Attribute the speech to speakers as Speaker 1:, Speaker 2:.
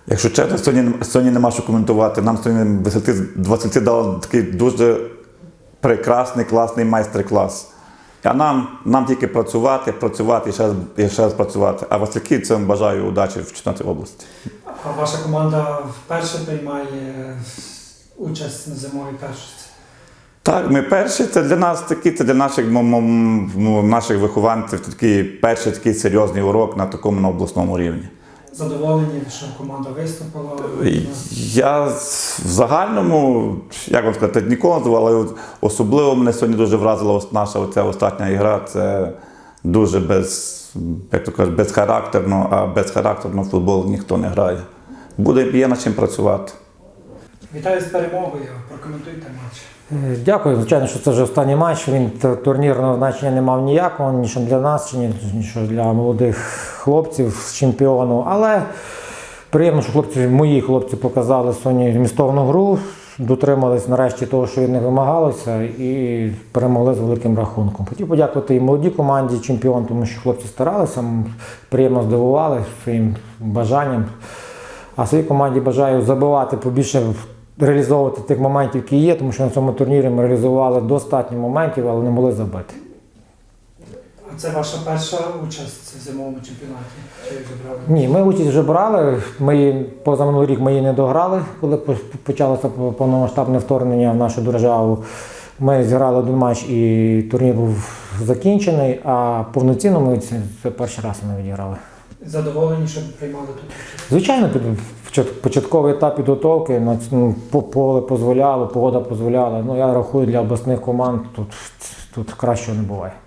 Speaker 1: Якщо чесно, сьогодні нема що коментувати. Нам сьогодні висоти дали такий дуже прекрасний, класний майстер-клас. А нам тільки працювати і ще раз працювати. А Васильківцям бажаю удачі в чемпіонаті області.
Speaker 2: А ваша команда вперше приймає участь на зимовій першості?
Speaker 1: Так, ми перші. Це для нас це для наших вихованців такий перший такий серйозний урок на такому обласному рівні.
Speaker 2: Задоволені, що команда виступила?
Speaker 1: Я в загальному, як вам сказати, ніколи не звав, але особливо мене сьогодні дуже вразила наша оця остання ігра. Це дуже безхарактерно, а безхарактерно в футбол ніхто не грає. Є над чим працювати.
Speaker 2: Вітаю з перемогою, прокоментуйте матч.
Speaker 3: Дякую, звичайно, що це вже останній матч. Він турнірного значення не мав ніякого, ні що для нас, ні що для молодих хлопців з чемпіону. Але приємно, що мої хлопці показали сьогодні змістовну гру, дотримались нарешті того, що від них вимагалося, і перемогли з великим рахунком. Хотів подякувати і молодій команді чемпіон, тому що хлопці старалися, приємно здивували своїм бажанням. А своїй команді бажаю забивати побільше, реалізовувати тих моментів, які є, тому що на цьому турнірі ми реалізували достатньо моментів, але не могли забити.
Speaker 2: А це ваша перша участь в зимовому чемпіонаті? Чи забрали?
Speaker 3: Ні, ми участь вже брали. Позаминулий рік ми її не дограли, коли почалося повномасштабне вторгнення в нашу державу. Ми зіграли один матч і турнір був закінчений, а повноцінно ми це перший раз ми відіграли.
Speaker 2: Задоволені, що приймали тут участь?
Speaker 3: Звичайно, початковий етап підготовки, поле дозволяло, погода дозволяла. Я рахую, для обласних команд тут кращого не буває.